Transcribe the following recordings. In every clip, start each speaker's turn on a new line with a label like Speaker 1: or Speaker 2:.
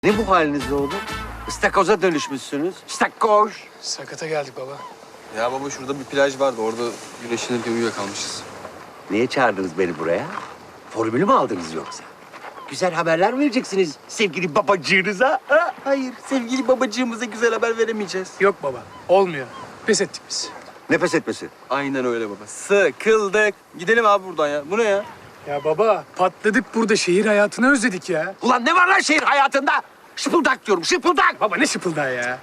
Speaker 1: Ne bu haliniz oğlum? İstakoza dönüşmüşsünüz. İstakoz.
Speaker 2: Sakata geldik baba.
Speaker 3: Ya baba şurada bir plaj vardı. Orada güneşlenirken uyuyakalmışız.
Speaker 1: Niye çağırdınız beni buraya? Formülü mü aldınız yoksa? Güzel haberler mi vereceksiniz sevgili babacığınıza? Ha?
Speaker 3: Hayır, sevgili babacığımıza güzel haber veremeyeceğiz.
Speaker 2: Yok baba, olmuyor. Pes ettik biz.
Speaker 1: Nefes etmesi.
Speaker 3: Aynen öyle baba. Sıkıldık. Gidelim abi buradan ya. Bu ne ya?
Speaker 2: Ya baba, patladık burada. Şehir hayatını özledik ya.
Speaker 1: Ulan ne var lan şehir hayatında? Şıpıldak diyorum, şıpıldak.
Speaker 2: Baba ne şıpıldağı ya.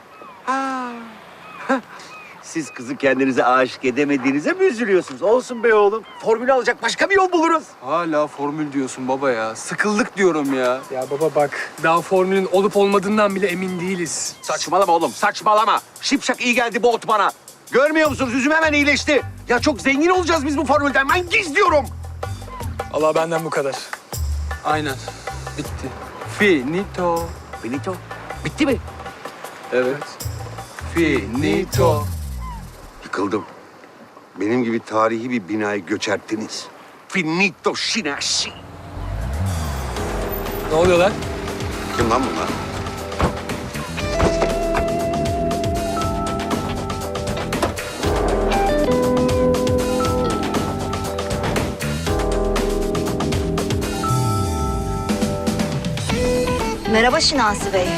Speaker 1: Siz kızı kendinize aşık edemediğinize mi üzülüyorsunuz? Olsun be oğlum. Formülü alacak başka bir yol buluruz.
Speaker 3: Hala formül diyorsun baba ya. Sıkıldık diyorum ya.
Speaker 2: Ya baba bak, daha formülün olup olmadığından bile emin değiliz.
Speaker 1: Saçmalama oğlum, saçmalama. Şipşak iyi geldi bu ot bana. Görmüyor musunuz? Yüzüm hemen iyileşti. Ya çok zengin olacağız biz bu formülden. Ben gizliyorum.
Speaker 2: Allah benden bu kadar.
Speaker 3: Aynen. Bitti. Finito.
Speaker 1: Benito, bitti mi?
Speaker 3: Evet. Finito.
Speaker 1: Yıkıldım. Benim gibi tarihi bir binayı göçerttiniz. Finito Şinaşi.
Speaker 2: Ne oluyor lan?
Speaker 1: Kim lan bunlar?
Speaker 4: Merhaba Şinasi Bey.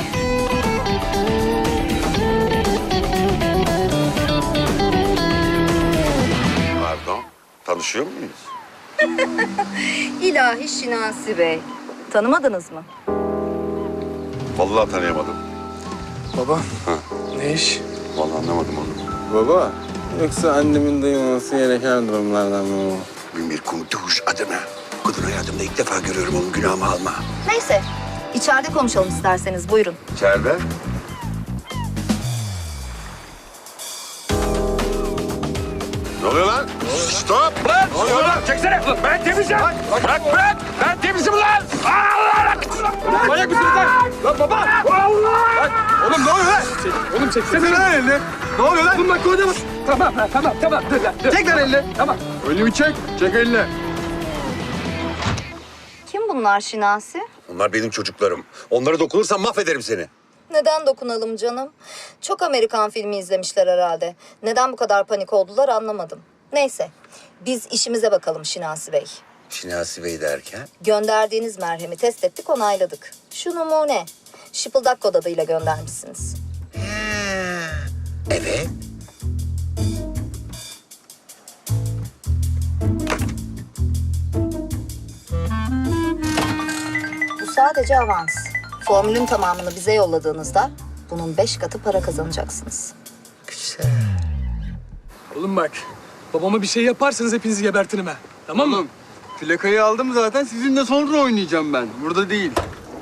Speaker 1: Pardon, tanışıyor muyuz?
Speaker 4: İlahi Şinasi Bey. Tanımadınız mı?
Speaker 1: Vallahi tanıyamadım.
Speaker 2: Baba, ne iş?
Speaker 1: Vallahi anlamadım onu.
Speaker 3: Baba, yoksa annemin duymaması gereken durumlardan mı bu?
Speaker 1: Bin bir kumtuş adına. Kadın hayatımda ilk defa görüyorum, onun günahımı alma.
Speaker 4: Neyse, içeride konuşalım isterseniz. Buyurun.
Speaker 1: İçeride. Ne oluyor lan? Stop! Lan! Ne oluyor lan? Çeksene! Ben temizim! Bırak! Ben temizim lan! Allah!
Speaker 3: Manyak mısınız lan? Lan baba!
Speaker 1: Allah!
Speaker 3: Lan, oğlum ne oluyor lan?
Speaker 2: Oğlum çeksene.
Speaker 3: lan elini. Ne oluyor lan?
Speaker 2: Bunlar koyda mı? Tamam, tamam. Dur lan, dur.
Speaker 3: Çek lan elini.
Speaker 2: Tamam.
Speaker 3: Elimi çek. Çek elini.
Speaker 4: Kim bunlar Şinasi?
Speaker 1: Onlar benim çocuklarım. Onlara dokunursam mahvederim seni.
Speaker 4: Neden dokunalım canım? Çok Amerikan filmi izlemişler herhalde. Neden bu kadar panik oldular anlamadım. Neyse, biz işimize bakalım Şinasi Bey.
Speaker 1: Şinasi Bey derken?
Speaker 4: Gönderdiğiniz merhemi test ettik, onayladık. Şu numune, şıpıldak kod adıyla göndermişsiniz.
Speaker 1: Evet.
Speaker 4: Bu sadece avans. Formülün tamamını bize yolladığınızda bunun 5 katı para kazanacaksınız.
Speaker 1: Güzel.
Speaker 2: Oğlum bak, babama bir şey yaparsanız hepinizi gebertirim ha. Tamam mı?
Speaker 3: Oğlum, plakayı aldım zaten. Sizinle sonra oynayacağım ben. Burada değil.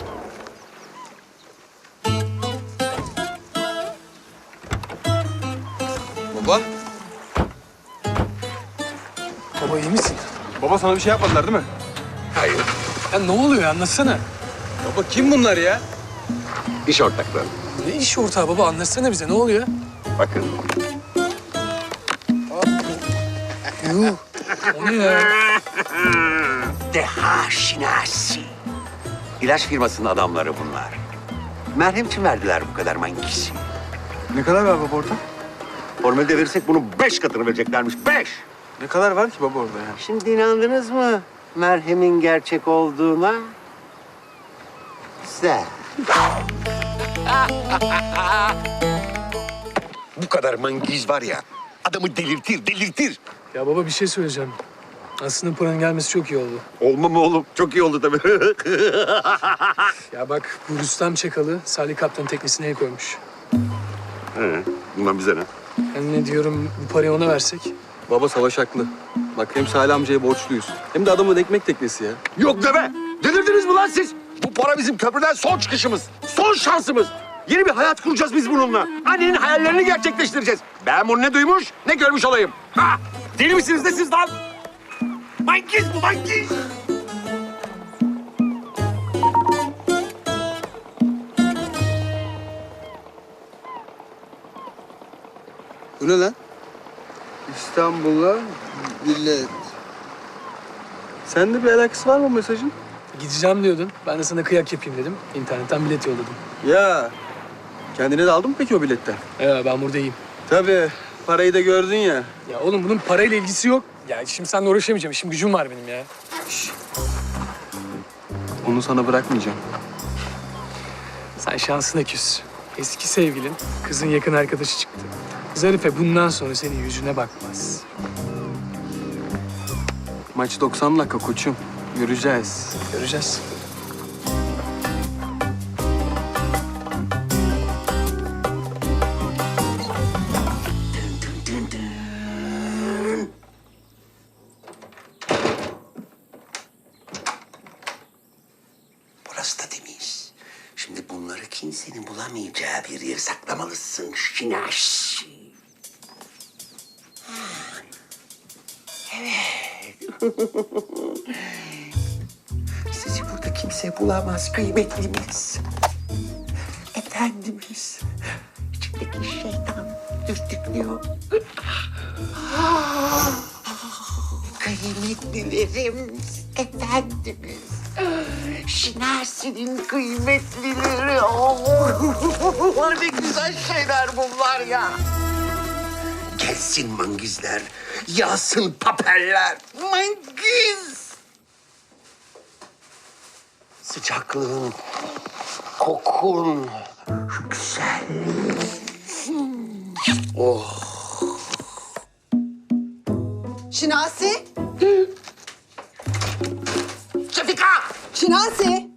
Speaker 3: Baba.
Speaker 2: Baba iyi misin?
Speaker 3: Baba sana bir şey yapmadılar değil mi?
Speaker 1: Hayır.
Speaker 2: Ya ne oluyor anlatsana.
Speaker 3: Baba kim bunlar ya?
Speaker 1: İş ortakları.
Speaker 2: Ne iş ortağı baba anlatsana bize ne oluyor?
Speaker 1: Bakın.
Speaker 2: Yuh. O ne ya?
Speaker 1: Deha Şinasi. İlaç firmasının adamları bunlar. Merhem için verdiler bu kadar mangisi.
Speaker 3: Ne kadar var baba orada?
Speaker 1: Formülde verirsek bunun 5 katını vereceklermiş. 5!
Speaker 3: Ne kadar var ki baba orada ya?
Speaker 1: Şimdi inandınız mı merhemin gerçek olduğuna? Güzel. Bu kadar mangiz var ya, adamı delirtir.
Speaker 2: Ya baba bir şey söyleyeceğim. Aslında paranın gelmesi çok iyi oldu.
Speaker 1: Olma mı oğlum? Çok iyi oldu tabii.
Speaker 2: Ya bak bu Rüstem Çakalı Salih Kaptan'ın teknesine el koymuş.
Speaker 1: Bundan bize ne?
Speaker 2: Ben ne diyorum bu parayı ona versek?
Speaker 3: Baba Savaş haklı. Bak hem Salih amcaya borçluyuz. Hem de adamın ekmek teknesi ya.
Speaker 1: Yok deme! Delirdiniz mi lan siz? Bu para bizim köprüden son çıkışımız. Son şansımız. Yeni bir hayat kuracağız biz bununla. Annenin hayallerini gerçekleştireceğiz. Ben bunu ne duymuş ne görmüş olayım. Ha! Deli misiniz de siz lan? Mangiz bu mangiz.
Speaker 3: Bu ne lan? İstanbul'a bilet. Sende bir alakası var mı mesajın?
Speaker 2: Gideceğim diyordun. Ben de sana kıyak yapayım dedim. İnternetten bilet yolladım.
Speaker 3: Ya kendine de aldın mı peki o biletten?
Speaker 2: Ben burada iyiyim.
Speaker 3: Tabii. Parayı da gördün ya.
Speaker 2: Ya oğlum bunun parayla ilgisi yok. Ya şimdi seninle uğraşamayacağım. İşim gücüm var benim ya.
Speaker 3: Onu sana bırakmayacağım.
Speaker 2: Sen şansına küs. Eski sevgilin kızın yakın arkadaşı çıktı. Zarife bundan sonra senin yüzüne bakmaz.
Speaker 3: Maç 90 dakika koçum. Göreceğiz.
Speaker 2: Göreceğiz.
Speaker 5: Burası da temiz. Şimdi bunları kimsenin bulamayacağı bir yere saklamalısın Şinaş. Evet. Sizi burada kimse bulamaz kıymetlimiz. Efendimiz. İçindeki şeytan dürtüklüyor. Kıymetlilerim, efendimiz. Şinasi'nin kıymetlileri. Oh, ne güzel şeyler bunlar ya. Gelsin mangizler, yağsın papeller. Mangiz! Sıcaklığın, kokun, şu güzelliğin. Oh.
Speaker 6: Şinasi?
Speaker 5: Şefika!
Speaker 6: Şinasi!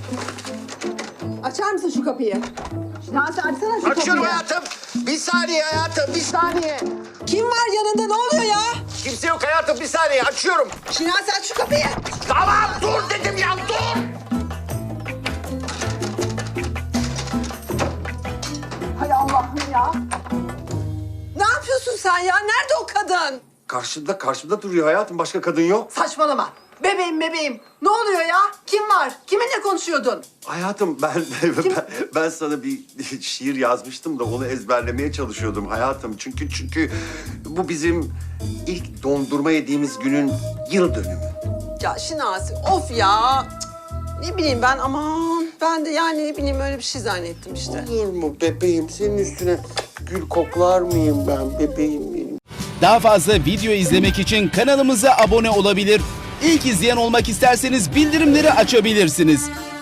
Speaker 6: Açar mısın şu kapıyı? Şinasi açsana şu
Speaker 5: Açıyorum
Speaker 6: kapıyı.
Speaker 5: hayatım. Bir saniye hayatım, bir saniye.
Speaker 6: Kim var yanında? Ne oluyor ya?
Speaker 5: Kimse yok hayatım, bir saniye. Açıyorum.
Speaker 6: Şinasi aç şu kapıyı.
Speaker 5: Tamam, dur dedim ya, dur.
Speaker 6: Hay Allah'ım ya. Ne yapıyorsun sen ya? Nerede o kadın?
Speaker 1: Karşımda duruyor hayatım. Başka kadın yok.
Speaker 6: Saçmalama. Bebeğim. Ne oluyor ya? Kim var? Kiminle konuşuyordun?
Speaker 1: Hayatım ben sana bir şiir yazmıştım da onu ezberlemeye çalışıyordum hayatım. Çünkü bu bizim ilk dondurma yediğimiz günün yıl dönümü.
Speaker 6: Ya Şinasi of ya. Cık, ne bileyim ben aman. Ben de yani ne bileyim öyle bir şey zannettim işte.
Speaker 5: Olur mu bebeğim? Senin üstüne gül koklar mıyım ben bebeğim benim?
Speaker 7: Daha fazla video izlemek için kanalımıza abone olabilir. İlk izleyen olmak isterseniz bildirimleri açabilirsiniz.